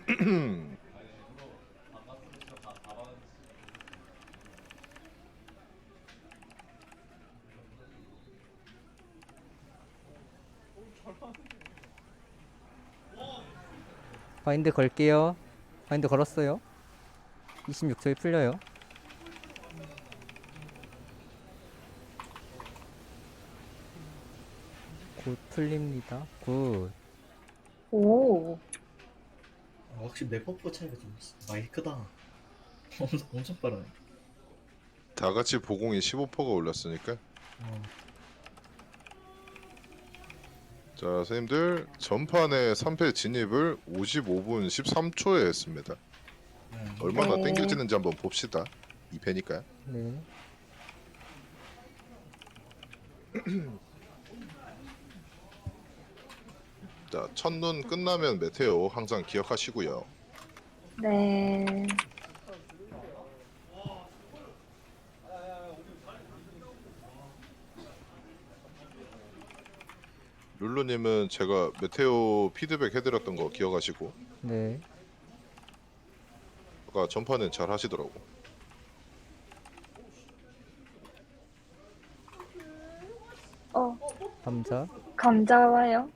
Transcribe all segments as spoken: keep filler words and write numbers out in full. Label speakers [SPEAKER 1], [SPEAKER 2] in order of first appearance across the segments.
[SPEAKER 1] 바인드 걸게요. 바인드 걸었어요. 이십육 초에 풀려요. 곧 풀립니다. 굿.
[SPEAKER 2] 오.
[SPEAKER 3] 아, 확실히 내 버프 차이가 좀 많이 크다. 엄청, 엄청 빠르네.
[SPEAKER 4] 다 같이 보공이 십오 퍼센트가 올랐으니까.
[SPEAKER 3] 어.
[SPEAKER 4] 자, 선생님들 전판에 삼 패 진입을 오십오 분 십삼 초에 했습니다.
[SPEAKER 3] 음.
[SPEAKER 4] 얼마나
[SPEAKER 2] 네.
[SPEAKER 4] 땡겨지는지 한번 봅시다. 이 패니까요.
[SPEAKER 1] 네.
[SPEAKER 4] 자, 첫눈 끝나면 메테오 항상 기억하시고요.
[SPEAKER 2] 네.
[SPEAKER 4] 룰루님은 제가 메테오 피드백 해드렸던 거 기억하시고
[SPEAKER 1] 네.
[SPEAKER 4] 아까 전판엔 잘 하시더라고.
[SPEAKER 2] 어,
[SPEAKER 1] 감자.
[SPEAKER 2] 감자 와요.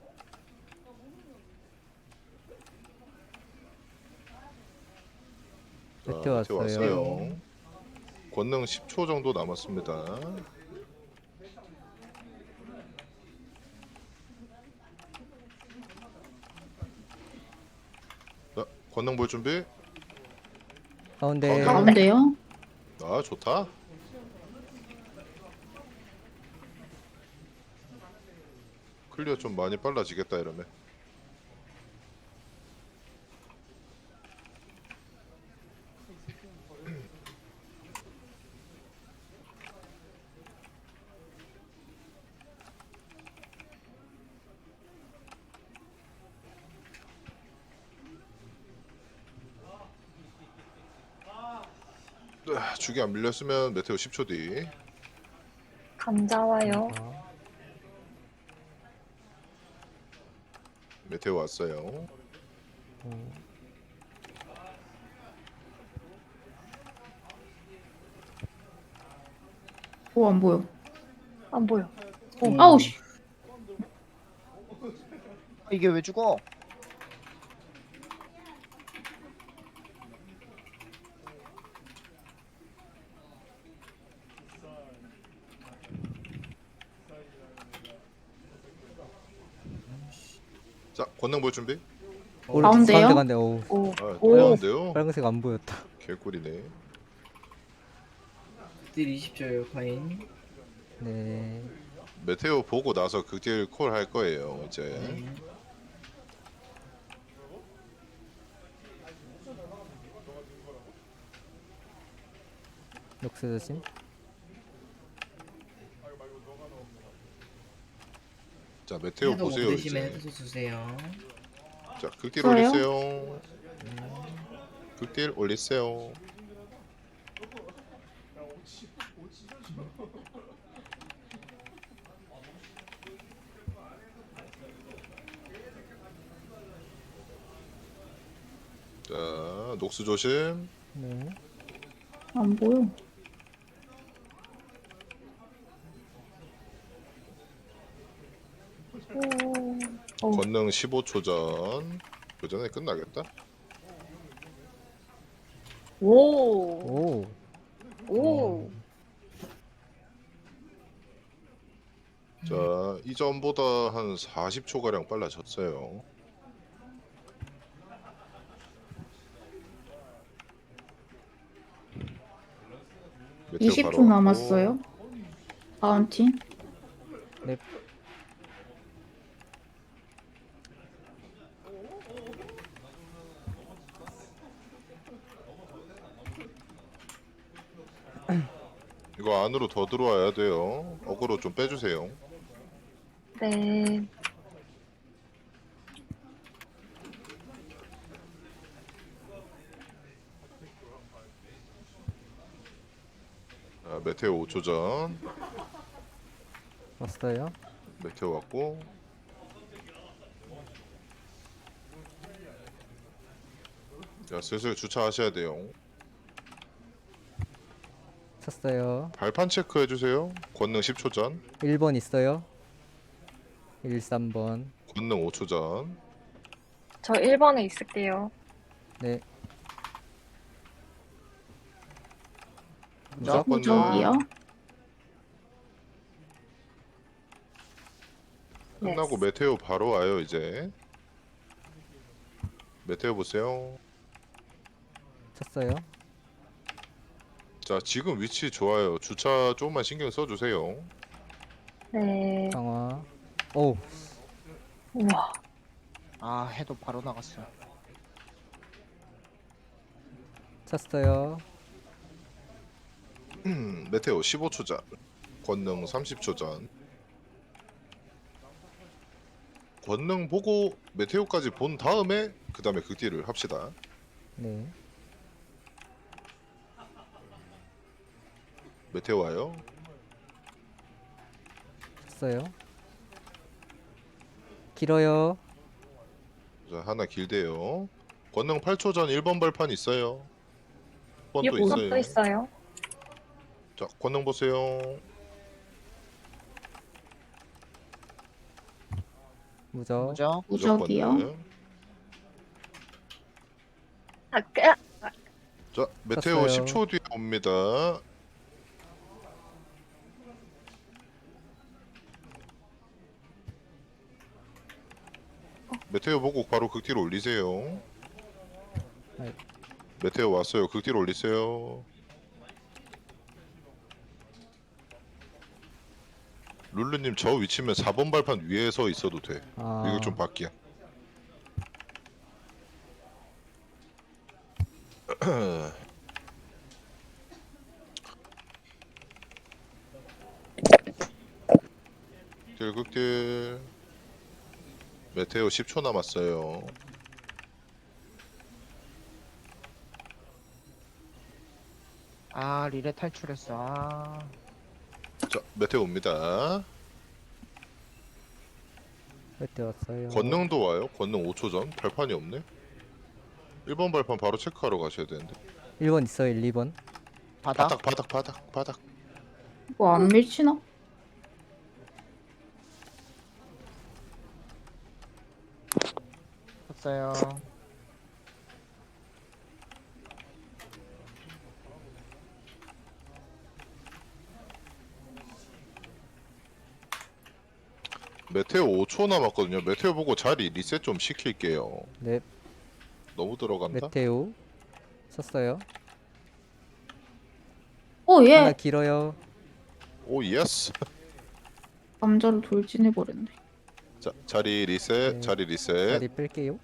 [SPEAKER 4] 자,
[SPEAKER 1] 메테오 왔어요.
[SPEAKER 4] 왔어요. 권능 십 초 정도 남았습니다. 자, 권능 볼 준비.
[SPEAKER 1] 가운데.
[SPEAKER 4] 가운데.
[SPEAKER 5] 가운데요?
[SPEAKER 4] 아, 좋다. 클리어 좀 많이 빨라지겠다 이러면. 아, 죽이 안 밀렸으면 메테오 십 초 뒤.
[SPEAKER 2] 감자 와요.
[SPEAKER 1] 아,
[SPEAKER 4] 메테오 왔어요.
[SPEAKER 5] 오, 안 보여.
[SPEAKER 2] 안 보여.
[SPEAKER 5] 어, 아우, 씨.
[SPEAKER 6] 이게 왜 죽어?
[SPEAKER 4] 자, 권능 볼 준비.
[SPEAKER 1] 오른쪽
[SPEAKER 5] 가운데요?
[SPEAKER 1] 가운데 간대. 오.
[SPEAKER 2] 오.
[SPEAKER 4] 아,
[SPEAKER 2] 오.
[SPEAKER 4] 떨렸는데요.
[SPEAKER 1] 빨간색 안 보였다.
[SPEAKER 4] 개꿀이네.
[SPEAKER 3] 딜 이십 초예요, 파인.
[SPEAKER 1] 네.
[SPEAKER 4] 메테오 보고 나서 극딜 콜 할 거예요. 이제.
[SPEAKER 3] 네.
[SPEAKER 1] 녹스 조심.
[SPEAKER 4] 자, 메테오
[SPEAKER 3] 해도 못
[SPEAKER 4] 보세요
[SPEAKER 3] 드시면
[SPEAKER 4] 이제.
[SPEAKER 3] 해도 주세요.
[SPEAKER 4] 자, 극딜
[SPEAKER 5] 저요?
[SPEAKER 4] 올리세요. 극딜 올리세요. 자, 녹스 조심.
[SPEAKER 1] 네.
[SPEAKER 5] 안 보여.
[SPEAKER 2] 오. 오.
[SPEAKER 4] 권능 십오 초 전. 그 전에 끝나겠다.
[SPEAKER 2] 오.
[SPEAKER 1] 오.
[SPEAKER 2] 오.
[SPEAKER 4] 자, 이전보다 한 사십 초 가량 빨라졌어요. 메테오
[SPEAKER 5] 이십
[SPEAKER 4] 바로
[SPEAKER 5] 초
[SPEAKER 4] 왔고.
[SPEAKER 5] 남았어요. 다음 팀.
[SPEAKER 1] 네.
[SPEAKER 4] 이거 안으로 더 들어와야 돼요. 어그로 좀 빼주세요.
[SPEAKER 2] 네.
[SPEAKER 4] 자, 메테오 오 초 전.
[SPEAKER 1] 왔어요.
[SPEAKER 4] 메테오 왔고. 자 슬슬 주차하셔야 돼요.
[SPEAKER 1] 쳤어요.
[SPEAKER 4] 발판 체크해 주세요. 권능 십 초 전,
[SPEAKER 1] 일 번 있어요. 일, 삼 번.
[SPEAKER 4] 권능 오 초 전.
[SPEAKER 2] 저 일 번에 있을게요.
[SPEAKER 1] 네.
[SPEAKER 4] 무적
[SPEAKER 1] 무적.
[SPEAKER 5] 무적이요.
[SPEAKER 4] 끝나고
[SPEAKER 2] 네.
[SPEAKER 4] 메테오 바로 와요 이제. 메테오 보세요.
[SPEAKER 1] 쳤어요.
[SPEAKER 4] 자 지금 위치 좋아요. 주차 조금만 신경 써주세요.
[SPEAKER 2] 네.
[SPEAKER 1] 강화. 오,
[SPEAKER 2] 우와.
[SPEAKER 6] 아 해도 바로 나갔어.
[SPEAKER 1] 쳤어요.
[SPEAKER 4] 음, 메테오 십오 초 전, 권능 삼십 초 전. 권능 보고 메테오까지 본 다음에 그 다음에 극딜을 합시다.
[SPEAKER 1] 네.
[SPEAKER 4] 메테오 와요.
[SPEAKER 1] 쳤어요. 길어요.
[SPEAKER 4] 자 하나 길대요. 권능 팔 초 전 일 번 발판 있어요. 일 번도
[SPEAKER 2] 육
[SPEAKER 4] 있어요.
[SPEAKER 2] 번도 있어요.
[SPEAKER 4] 자 권능 보세요.
[SPEAKER 1] 무적.
[SPEAKER 6] 무적.
[SPEAKER 4] 무적
[SPEAKER 5] 무적이요.
[SPEAKER 4] 권능.
[SPEAKER 2] 아, 끄!
[SPEAKER 4] 자 메테오
[SPEAKER 1] 쳤어요.
[SPEAKER 4] 십 초 뒤에 옵니다. 메테오 보고 바로 극딜 올리세요.
[SPEAKER 1] 아이.
[SPEAKER 4] 메테오 왔어요. 극딜 올리세요. 룰루님 저 위치면 사 번 발판 위에 서 있어도 돼.
[SPEAKER 1] 아,
[SPEAKER 4] 이거 좀 바뀌야. 딜극딜 메테오 십 초 남았어요.
[SPEAKER 6] 아 리레 탈출했어. 아
[SPEAKER 4] 자 메테오 옵니다.
[SPEAKER 1] 그때 왔어요.
[SPEAKER 4] 권능도 와요. 권능 오 초 전. 발판이 없네. 일 번 발판 바로 체크하러 가셔야 되는데.
[SPEAKER 1] 일 번 있어요. 일, 이 번.
[SPEAKER 6] 바닥.
[SPEAKER 4] 바닥 바닥 바닥 바닥.
[SPEAKER 5] 뭐 안 밀치나?
[SPEAKER 6] 쳤어요.
[SPEAKER 4] 메테오 오 초 남았거든요. 메테오 보고 자리 리셋 좀 시킬게요.
[SPEAKER 1] 네.
[SPEAKER 4] 너무 들어간다.
[SPEAKER 1] 메테오. 쳤어요.
[SPEAKER 5] 오
[SPEAKER 1] 하나
[SPEAKER 5] 예.
[SPEAKER 1] 길어요.
[SPEAKER 4] 오 예스.
[SPEAKER 5] 남자로 돌진해 버렸네.
[SPEAKER 4] 자 자리 리셋.
[SPEAKER 1] 네.
[SPEAKER 4] 자리 리셋.
[SPEAKER 1] 자리 뺄게요.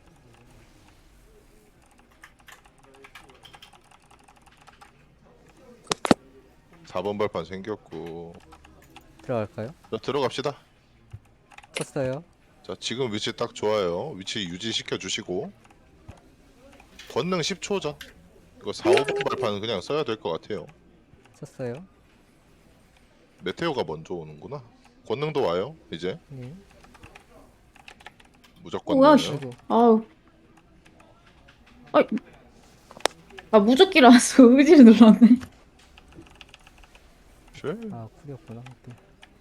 [SPEAKER 4] 사 번 발판 생겼고.
[SPEAKER 1] 들어갈까요?
[SPEAKER 4] 자 들어갑시다.
[SPEAKER 1] 쳤어요.
[SPEAKER 4] 자 지금 위치 딱 좋아요. 위치 유지시켜 주시고. 권능 십 초 전. 이거 사, 오 번 발판은 그냥 써야 될 것 같아요.
[SPEAKER 1] 쳤어요.
[SPEAKER 4] 메테오가 먼저 오는구나. 권능도 와요. 이제
[SPEAKER 1] 네.
[SPEAKER 4] 무조건.
[SPEAKER 5] 오야
[SPEAKER 4] 넣어요.
[SPEAKER 5] 씨.
[SPEAKER 1] 아이고.
[SPEAKER 5] 아우. 아이. 아 무적기를 안 써. 의지를 눌렀네.
[SPEAKER 4] 쉐.
[SPEAKER 1] 아, 쿨이었구나. 오케이.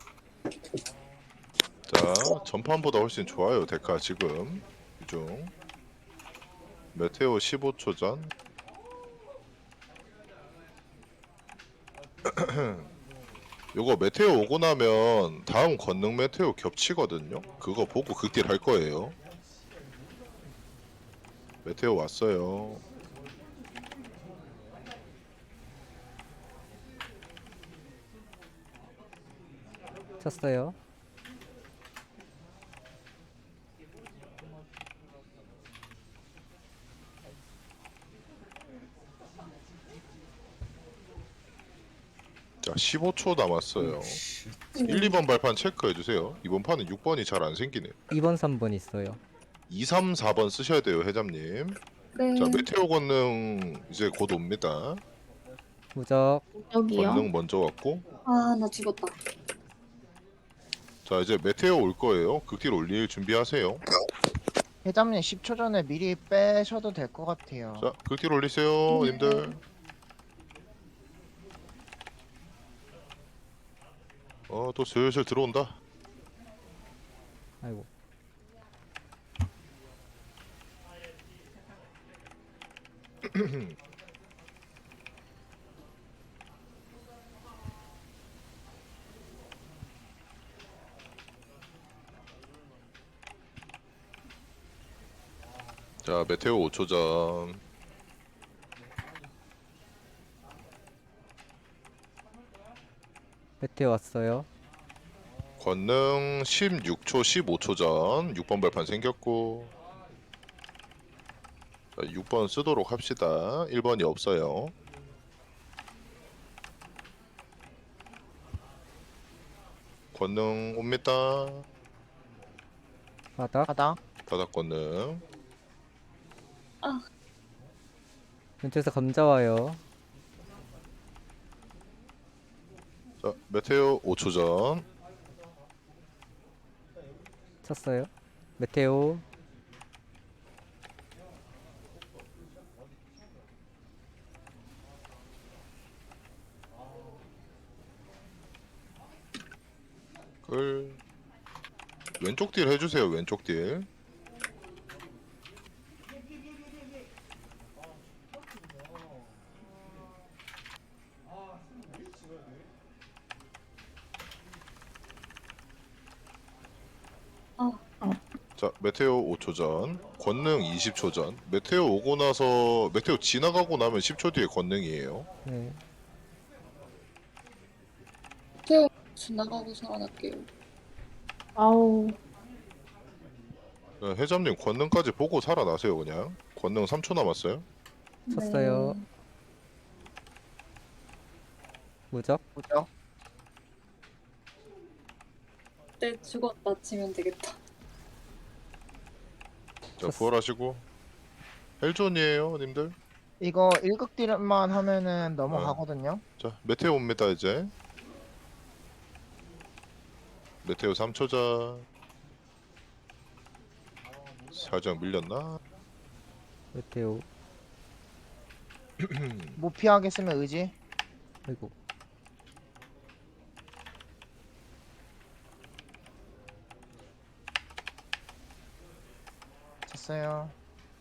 [SPEAKER 4] 자 전판보다 훨씬 좋아요. 데카 지금 이중. 메테오 십오 초 전. 요거 메테오 오고 나면 다음 권능 메테오 겹치거든요. 그거 보고 극딜 할 거예요. 메테오 왔어요.
[SPEAKER 1] 쳤어요.
[SPEAKER 4] 자 십오 초 남았어요.
[SPEAKER 3] 씨.
[SPEAKER 4] 일, 이 번 발판 체크해 주세요. 이번 판은 육 번이 잘 안 생기네요.
[SPEAKER 1] 이 번, 삼 번 있어요.
[SPEAKER 4] 이, 삼, 사 번 쓰셔야 돼요, 회장님.
[SPEAKER 2] 네.
[SPEAKER 4] 자 메테오 권능 이제 곧 옵니다.
[SPEAKER 1] 무적.
[SPEAKER 5] 무적이요.
[SPEAKER 4] 권능 먼저 왔고.
[SPEAKER 2] 아, 나 죽었다.
[SPEAKER 4] 자 이제 메테오 올 거예요. 극딜 올릴 준비하세요.
[SPEAKER 6] 회장님 십 초 전에 미리 빼셔도 될 것 같아요.
[SPEAKER 4] 자, 극딜 올리세요, 님들. 어, 또 슬슬 들어온다.
[SPEAKER 1] 아이고.
[SPEAKER 4] 자, 메테오 오 초 전.
[SPEAKER 1] 메테오 왔어요.
[SPEAKER 4] 권능 십육 초, 십오 초 전. 육 번 발판 생겼고. 자, 육 번 쓰도록 합시다. 일 번이 없어요. 권능 옵니다.
[SPEAKER 1] 바닥.
[SPEAKER 6] 바닥.
[SPEAKER 4] 바닥 권능.
[SPEAKER 1] 왼쪽에서 감자 와요.
[SPEAKER 4] 자, 메테오 오 초 전.
[SPEAKER 1] 쳤어요. 메테오.
[SPEAKER 4] 끌. 왼쪽 딜 해주세요. 왼쪽 딜. 자, 메테오 오 초 전, 권능 이십 초 전. 메테오 오고 나서 메테오 지나가고 나면 십 초 뒤에 권능이에요.
[SPEAKER 1] 네.
[SPEAKER 2] 태우 지나가고 살아날게요.
[SPEAKER 5] 아우.
[SPEAKER 4] 네, 해잠님 권능까지 보고 살아나세요 그냥. 권능 삼 초 남았어요.
[SPEAKER 1] 쳤어요.
[SPEAKER 2] 네.
[SPEAKER 1] 무적.
[SPEAKER 6] 무적.
[SPEAKER 2] 때 죽었다 치면 되겠다.
[SPEAKER 4] 자,
[SPEAKER 1] 쳤어.
[SPEAKER 4] 부활하시고. 헬존이에요, 님들.
[SPEAKER 6] 이거 일극 딜만 하면은 넘어가거든요.
[SPEAKER 4] 자, 메테오 옵니다 이제. 메테오 삼 초 전. 살짝 밀렸나?
[SPEAKER 1] 메테오.
[SPEAKER 6] 못 피하겠으면 의지.
[SPEAKER 1] 아이고.
[SPEAKER 6] 쳤어요.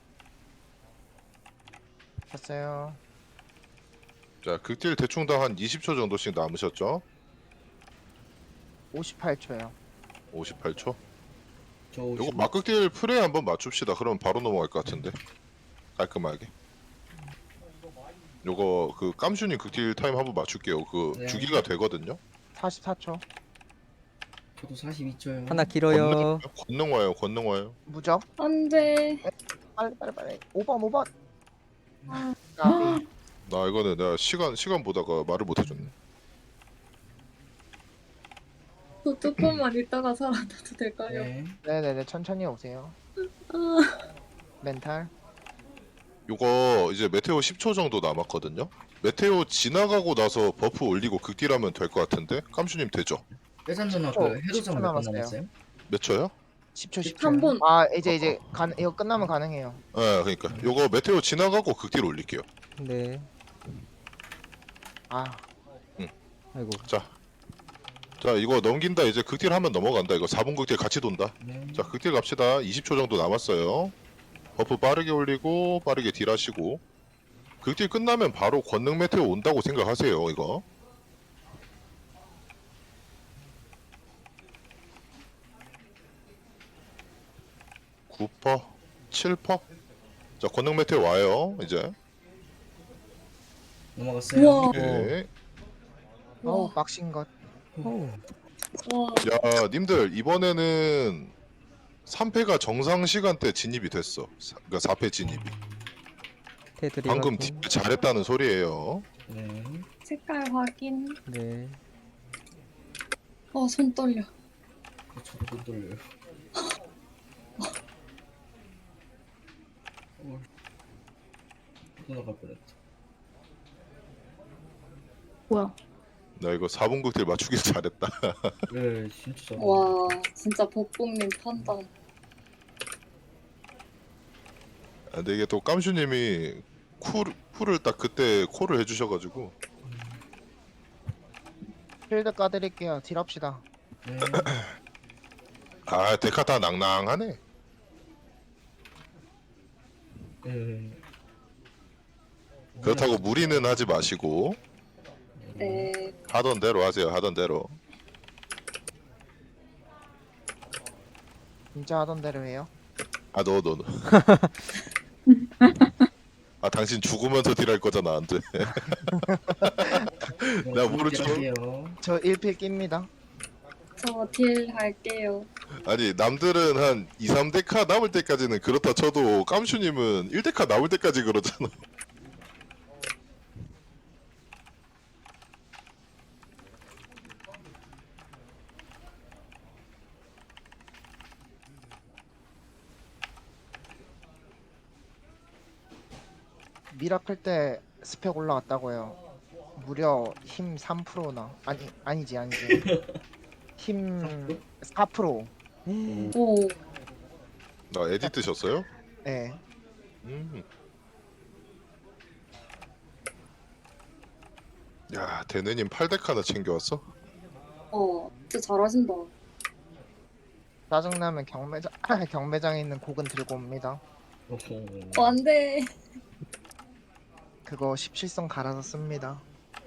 [SPEAKER 6] 쳤어요.
[SPEAKER 4] 자, 극딜 대충당 한 이십 초 정도씩 남으셨죠?
[SPEAKER 6] 오십팔 초요.
[SPEAKER 4] 오십팔 초.
[SPEAKER 3] 저
[SPEAKER 4] 요거
[SPEAKER 3] 오십오.
[SPEAKER 4] 막극딜 프레이 한번 맞춥시다. 그럼 바로 넘어갈 것 같은데. 깔끔하게. 요거 그 깜슈님 극딜 타임 한번 맞출게요. 그
[SPEAKER 3] 네.
[SPEAKER 4] 주기가 되거든요.
[SPEAKER 6] 사십사 초.
[SPEAKER 3] 저도 사십이 초요.
[SPEAKER 1] 하나 길어요.
[SPEAKER 4] 권능 와요. 권능 와요.
[SPEAKER 6] 무적.
[SPEAKER 2] 안 돼.
[SPEAKER 6] 빨리 빨리 빨리. 오 번 오 번.
[SPEAKER 2] 아.
[SPEAKER 6] 까비.
[SPEAKER 4] 나 이거는 내가 시간 시간 보다가 말을 못 해줬네.
[SPEAKER 2] 저 조금만 있다가 살아나도 될까요?
[SPEAKER 3] 네.
[SPEAKER 6] 네네네 천천히 오세요.
[SPEAKER 2] 아,
[SPEAKER 6] 멘탈.
[SPEAKER 4] 요거 이제 메테오 십 초 정도 남았거든요. 메테오 지나가고 나서 버프 올리고 극딜하면 될 것 같은데. 깜슈님 되죠?
[SPEAKER 3] 회장 누나
[SPEAKER 6] 십 초,
[SPEAKER 3] 그
[SPEAKER 6] 십 초
[SPEAKER 3] 해도장 몇번
[SPEAKER 6] 남았어요.
[SPEAKER 3] 남았어요?
[SPEAKER 4] 몇 초요?
[SPEAKER 6] 십 초 십 초.
[SPEAKER 2] 한 번.
[SPEAKER 6] 아 이제 이제 가, 이거 끝나면 가능해요.
[SPEAKER 4] 네, 그러니까 요거 메테오 지나가고 극딜 올릴게요.
[SPEAKER 1] 네.
[SPEAKER 6] 아
[SPEAKER 1] 아이고.
[SPEAKER 4] 자, 자 이거 넘긴다. 이제 극딜 하면 넘어간다. 이거 사 분 극딜 같이 돈다.
[SPEAKER 3] 네.
[SPEAKER 4] 자, 극딜 갑시다. 이십 초 정도 남았어요. 버프 빠르게 올리고 빠르게 딜하시고. 극딜 끝나면 바로 권능 메테오 온다고 생각하세요. 이거. 구 퍼센트, 칠 퍼센트. 자, 권능 메테오 와요. 이제.
[SPEAKER 3] 넘어갔어요.
[SPEAKER 2] 우와.
[SPEAKER 4] 오케이.
[SPEAKER 6] 어우
[SPEAKER 2] 와.
[SPEAKER 6] 빡신 것.
[SPEAKER 1] 어우.
[SPEAKER 2] 와.
[SPEAKER 4] 야, 님들 이번에는 삼 패가 정상 시간대 진입이 됐어. 사, 그러니까 사 패 진입이.
[SPEAKER 1] 테드리
[SPEAKER 4] 방금
[SPEAKER 1] 확인.
[SPEAKER 4] 딜 잘했다는 소리예요.
[SPEAKER 3] 네.
[SPEAKER 2] 색깔 확인.
[SPEAKER 1] 네.
[SPEAKER 2] 어, 손 떨려.
[SPEAKER 3] 어, 저도 못 돌려요. 어. 나갈 뻔했다.
[SPEAKER 5] 뭐야?
[SPEAKER 4] 나 이거 사 분 극딜 맞추길 잘했다.
[SPEAKER 3] 네, 진짜 잘.
[SPEAKER 2] 와, 진짜 복봉님 판단.
[SPEAKER 4] 근데 이게 또 깜슈님이 쿨 쿨을 딱 그때 콜을 해주셔가지고
[SPEAKER 6] 필드 까드릴게요. 딜합시다.
[SPEAKER 3] 네.
[SPEAKER 4] 아 데카 다 낭낭하네.
[SPEAKER 3] 네.
[SPEAKER 4] 그렇다고 무리는 하지 마시고
[SPEAKER 2] 네.
[SPEAKER 4] 하던 대로 하세요. 하던 대로.
[SPEAKER 6] 진짜 하던 대로 해요.
[SPEAKER 4] 아 너 너 너. 아 당신 죽으면서 딜할 거잖아 안 돼. 나 모르죠.
[SPEAKER 3] 할게요.
[SPEAKER 6] 저 일 필 낍니다.
[SPEAKER 2] 저 딜 할게요.
[SPEAKER 4] 아니 남들은 한 이, 삼 데카 남을 때까지는 그렇다 쳐도 깜슈님은 일 데카 남을 때까지 그러잖아.
[SPEAKER 6] 미라클 때 스펙 올라왔다고요. 무려 힘 삼 퍼센트나 아니 아니지 아니지 힘 사 퍼센트.
[SPEAKER 2] 오.
[SPEAKER 4] 나 에디트 셨어요?
[SPEAKER 6] 네.
[SPEAKER 4] 음. 야 대느님 팔 데카나 챙겨왔어?
[SPEAKER 2] 어. 진짜 잘하신다.
[SPEAKER 6] 짜증나면 경매장 경매장에 있는 곡은 들고 옵니다.
[SPEAKER 3] 오호.
[SPEAKER 2] 어, 안 돼.
[SPEAKER 6] 그거 십칠성 갈아서 씁니다.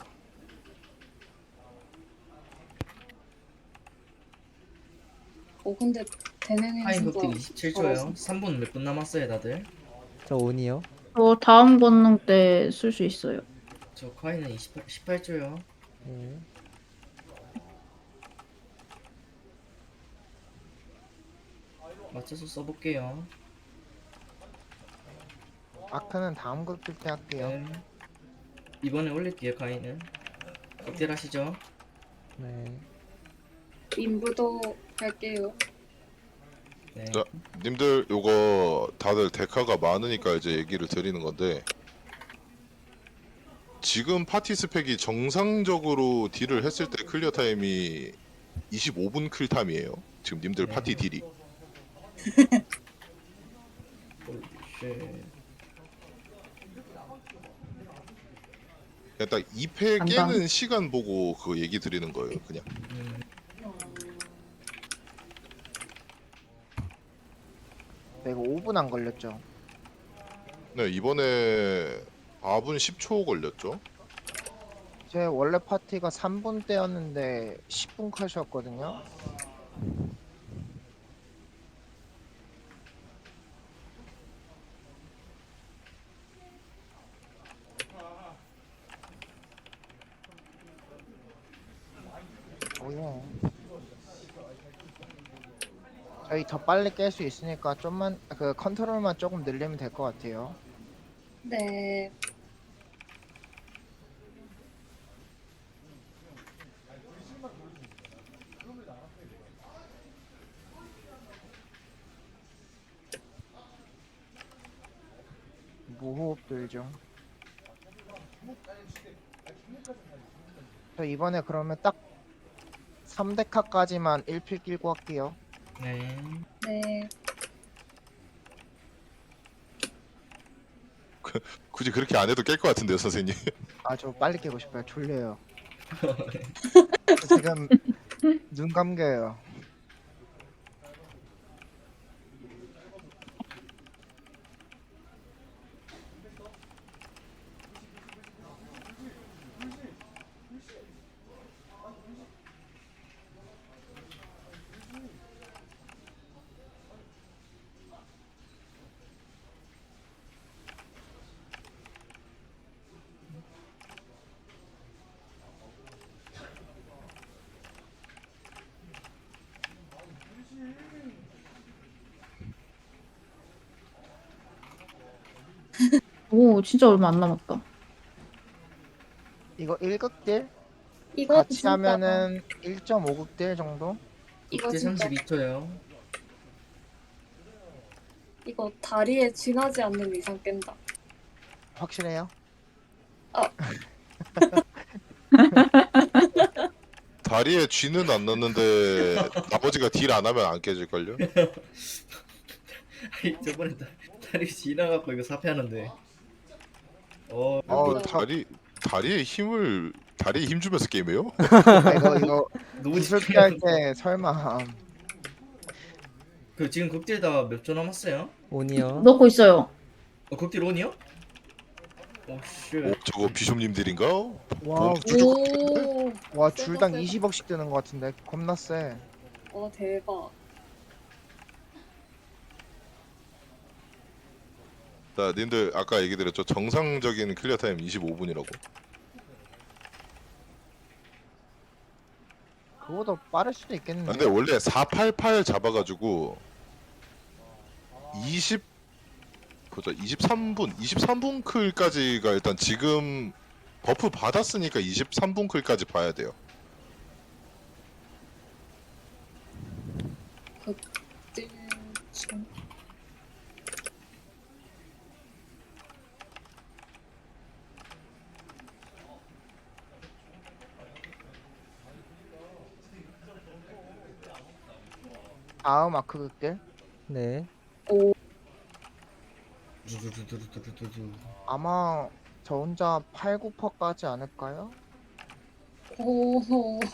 [SPEAKER 2] 어, 근데 대능이
[SPEAKER 3] 타임
[SPEAKER 2] 진짜
[SPEAKER 3] 극딜 이십칠 초요. 삼 분 몇 분 남았어요, 다들?
[SPEAKER 1] 저 온이요.
[SPEAKER 5] 저 다음 권능 때 쓸 수 있어요.
[SPEAKER 3] 저 카이는 이십팔, 십팔 초요.
[SPEAKER 1] 네.
[SPEAKER 3] 맞춰서 써볼게요.
[SPEAKER 6] 아크는 다음 극딜 때 할게요.
[SPEAKER 3] 네. 이번에 올릴게요, 카이는. 극딜 하시죠.
[SPEAKER 1] 네.
[SPEAKER 2] 인부도 할게요.
[SPEAKER 3] 네.
[SPEAKER 4] 자, 님들 요거 다들 데카가 많으니까 이제 얘기를 드리는 건데 지금 파티 스펙이 정상적으로 딜을 했을 때 클리어 타임이 이십오 분 클 타임이에요. 지금 님들
[SPEAKER 3] 네.
[SPEAKER 4] 파티 딜이.
[SPEAKER 3] 홀리 쉣.
[SPEAKER 4] 그냥 딱 이 패
[SPEAKER 5] 간다.
[SPEAKER 4] 깨는 시간 보고 그 얘기 드리는 거예요. 그냥.
[SPEAKER 3] 음,
[SPEAKER 6] 네, 이거 오 분 안 걸렸죠?
[SPEAKER 4] 네 이번에 사 분 십 초 걸렸죠.
[SPEAKER 6] 제 원래 파티가 삼 분 때였는데 십 분 컷이었거든요. 오예. 저희 더 빨리 깰 수 있으니까 좀만 그 컨트롤만 조금 늘리면 될 것 같아요.
[SPEAKER 2] 네.
[SPEAKER 6] 무호흡들 좀. 저 이번에 그러면 딱 삼 데카까지만 일 필 끼고 할게요.
[SPEAKER 3] 네.
[SPEAKER 2] 네.
[SPEAKER 4] 굳이 그렇게 안 해도 깰 것 같은데요, 선생님.
[SPEAKER 6] 아, 저 빨리 깨고 싶어요. 졸려요. 지금 눈 감겨요.
[SPEAKER 5] 오, 진짜 얼마 안 남았다.
[SPEAKER 6] 이거 일 극딜
[SPEAKER 2] 이거
[SPEAKER 6] 같이
[SPEAKER 2] 진짜
[SPEAKER 6] 하면은 일 점 오 극딜 정도?
[SPEAKER 2] 이거
[SPEAKER 3] 극딜
[SPEAKER 2] 진짜
[SPEAKER 3] 삼십이 초요.
[SPEAKER 2] 이거 다리에 쥐나지 않는 이상 깬다.
[SPEAKER 6] 확실해요?
[SPEAKER 4] 다리에 쥐는 안 넣는데 나머지가 딜 안 하면 안 깨질걸요?
[SPEAKER 3] 아니, 저번에 다, 다리 지나갖고 이거 사패하는데. 어,
[SPEAKER 4] 뭐
[SPEAKER 6] 어,
[SPEAKER 4] 다리 다리에 힘을 다리에 힘 주면서 게임해요?
[SPEAKER 6] 아, 이거 이거
[SPEAKER 3] 너무
[SPEAKER 6] 구슬 피할
[SPEAKER 3] 집중해.
[SPEAKER 6] 때 설마
[SPEAKER 3] 그 지금 극딜 다 몇 조 남았어요?
[SPEAKER 1] 온이요.
[SPEAKER 5] 넣고 있어요.
[SPEAKER 3] 어, 극딜 온이요? 오
[SPEAKER 4] 오,
[SPEAKER 3] 쉣.
[SPEAKER 4] 저거 비숍님들인가?
[SPEAKER 6] 와,
[SPEAKER 4] 쭉
[SPEAKER 2] 오.
[SPEAKER 6] 와
[SPEAKER 2] 세다,
[SPEAKER 6] 줄당
[SPEAKER 2] 세다.
[SPEAKER 6] 이십억씩 드는 것 같은데 겁나 세.
[SPEAKER 2] 와 대박.
[SPEAKER 4] 자, 님들 아까 얘기 드렸죠. 정상적인 클리어 타임 이십오 분이라고.
[SPEAKER 6] 그거보다 빠를 수도
[SPEAKER 4] 아,
[SPEAKER 6] 있겠는데.
[SPEAKER 4] 근데 원래 사팔팔 잡아가지고 이십 보자 이십삼 분 이십삼 분 클까지가 일단 지금 버프 받았으니까 이십삼 분 클까지 봐야 돼요.
[SPEAKER 2] 극딜 중.
[SPEAKER 6] 다음 아크 극딜
[SPEAKER 1] 네.
[SPEAKER 2] 오.
[SPEAKER 3] 두두두두두두두.
[SPEAKER 6] 아마 저 혼자 팔, 구 퍼 까지 않을까요?
[SPEAKER 2] 오.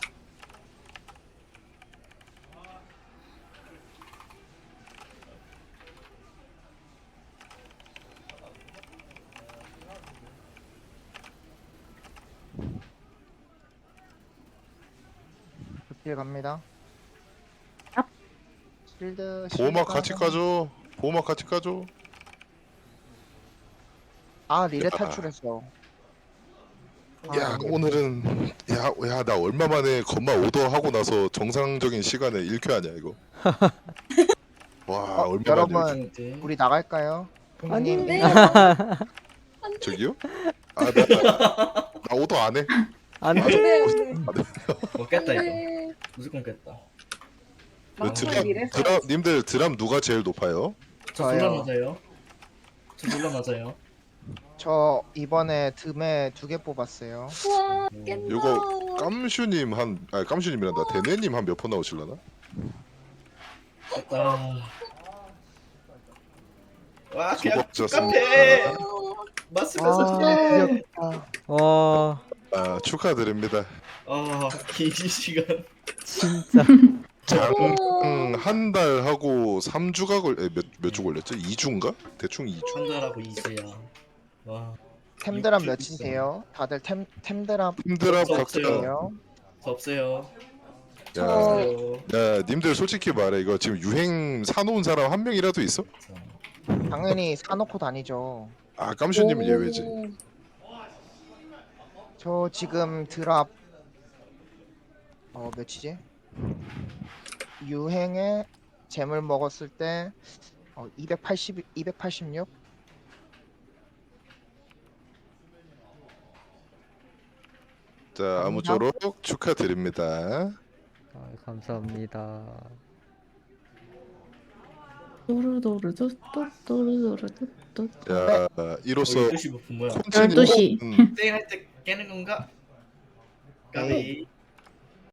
[SPEAKER 6] 극딜 갑니다.
[SPEAKER 5] 얍.
[SPEAKER 6] 실드
[SPEAKER 4] 보호막
[SPEAKER 6] 실드
[SPEAKER 4] 같이
[SPEAKER 6] 하나.
[SPEAKER 4] 까줘. 보호막 같이 까줘.
[SPEAKER 6] 아 리레
[SPEAKER 4] 야.
[SPEAKER 6] 탈출했어. 아,
[SPEAKER 4] 야
[SPEAKER 6] 이게-
[SPEAKER 4] 오늘은 야야 나 얼마 만에 건마 오더 하고 나서 정상적인 시간에 일 큐 하냐 이거. 와
[SPEAKER 6] 어,
[SPEAKER 4] 얼마
[SPEAKER 6] 여러분
[SPEAKER 4] 만에 일
[SPEAKER 3] 극딜.
[SPEAKER 6] 우리 나갈까요?
[SPEAKER 1] 아니.
[SPEAKER 6] 님
[SPEAKER 2] 네.
[SPEAKER 4] 큐. 저기요? 아나 나 오더 안 해.
[SPEAKER 1] 안
[SPEAKER 2] 안돼
[SPEAKER 1] 돼.
[SPEAKER 2] 안돼.
[SPEAKER 3] 어 깼다 이거.
[SPEAKER 2] 안돼.
[SPEAKER 3] 무조건 깼다.
[SPEAKER 4] 그
[SPEAKER 2] 막상
[SPEAKER 4] 드람
[SPEAKER 2] 이래서
[SPEAKER 4] 드람 님들 드람 누가 제일 높아요?
[SPEAKER 3] 저
[SPEAKER 6] 저요.
[SPEAKER 3] 졸라 맞아요. 저 졸라 맞아요.
[SPEAKER 6] 저 이번에 듬에 두 개 뽑았어요.
[SPEAKER 2] 우와 깬다.
[SPEAKER 4] 요거 깜슈님 한 아 깜슈님이란다 대네님 한 몇 번 나오실라나?
[SPEAKER 3] 깼다. 와 그냥
[SPEAKER 4] 수고하셨습니다.
[SPEAKER 3] 카페.
[SPEAKER 2] 어,
[SPEAKER 3] 맞으면서
[SPEAKER 6] 아,
[SPEAKER 3] 해.
[SPEAKER 6] 귀엽다.
[SPEAKER 1] 와
[SPEAKER 4] 아 축하드립니다.
[SPEAKER 3] 아긴 시간.
[SPEAKER 1] 진짜.
[SPEAKER 4] 장 한 달 하고 삼 주가 걸몇몇 주 걸렸죠? 이 주인가? 대충 이 주.
[SPEAKER 3] 한 달하고 이세야. 와.
[SPEAKER 6] 템드랍
[SPEAKER 3] 육주
[SPEAKER 6] 몇이세요? 다들 템 템드랍
[SPEAKER 4] 힘들어
[SPEAKER 3] 없어,
[SPEAKER 4] 각자.
[SPEAKER 3] 없어요.
[SPEAKER 6] 몇이에요?
[SPEAKER 3] 저 없어요.
[SPEAKER 4] 야,
[SPEAKER 3] 없어요.
[SPEAKER 4] 야, 님들 솔직히 말해 이거 지금 유행 사놓은 사람 한 명이라도 있어?
[SPEAKER 6] 당연히 사놓고 다니죠.
[SPEAKER 4] 아 깜슈님은 예외지.
[SPEAKER 2] 오.
[SPEAKER 6] 저 지금 드랍 어 몇이지? 유행에 잼을 먹었을 때 어, 이백팔십 이백팔십육.
[SPEAKER 4] 자 아무쪼록 축하드립니다.
[SPEAKER 1] 아, 감사합니다.
[SPEAKER 5] 또르도르도또또르도르도또.
[SPEAKER 4] 야 이로써
[SPEAKER 3] 열두 시 버프 뭐야?
[SPEAKER 5] 열두 시.
[SPEAKER 4] 콘치님
[SPEAKER 3] 땡할 때 깨는 건가? 까비.